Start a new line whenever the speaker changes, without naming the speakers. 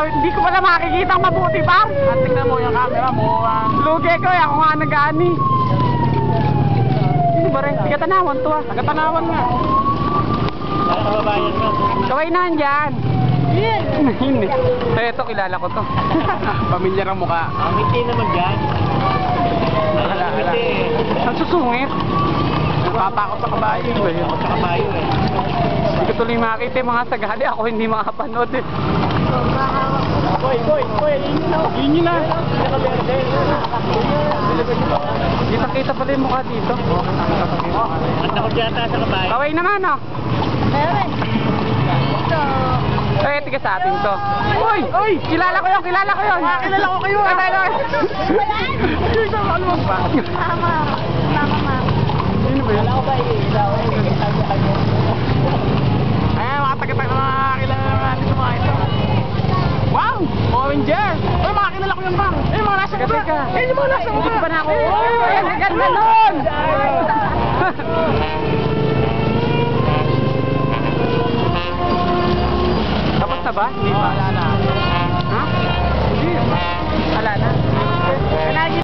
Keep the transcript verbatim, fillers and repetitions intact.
hindi ko pala makikita mabuti ba?
At tingnan mo yung camera mo. Uh...
Lugi ko, ako nga nag-ani. Hindi ba rin? Taga-Tanawan to ah.
Taga-Tanawan nga. Taga-Kababayan nga.
Kaway na andyan. Hindi. So ito, kilala ko to.
Pamilya ng mukha. Ang ngiti naman dyan. Ala, ala.
Ang susungit.
Natatakot sa kabayo eh. Takot sa kabayo eh.
Hindi ko tuloy makakita yung mga sagadi. Ako hindi makapanood eh.
Boy, boy, boy. Yun yun na.
Kita-kita pala yung mukha dito.
Ang takot yata sa kabayo.
Kaway naman oh.
Meron.
Eh, tiga sa atin to. Uy! Uy! Kilala ko yun! Kilala ko yun!
Kilala ko kayo ah!
Ay, ay, ay!
Ano ba?
Mama. Mama, mama.
Sino ba yun?
Wala ko ba i-ilaw?
Ayan, mga tagatag na mga kilala natin sa mga ito. Wow! Owenger! Uy, mga kilala ko yun bang? Eh, mga nasa
Teka, teka.
Eh, yung mga nasa
Hindi
mukha.
pa na ako.
Eh,
Uy! Ang ganda nun! Tapos na ba? Hindi pa.
Wala na.
Ha? Hindi. Wala na.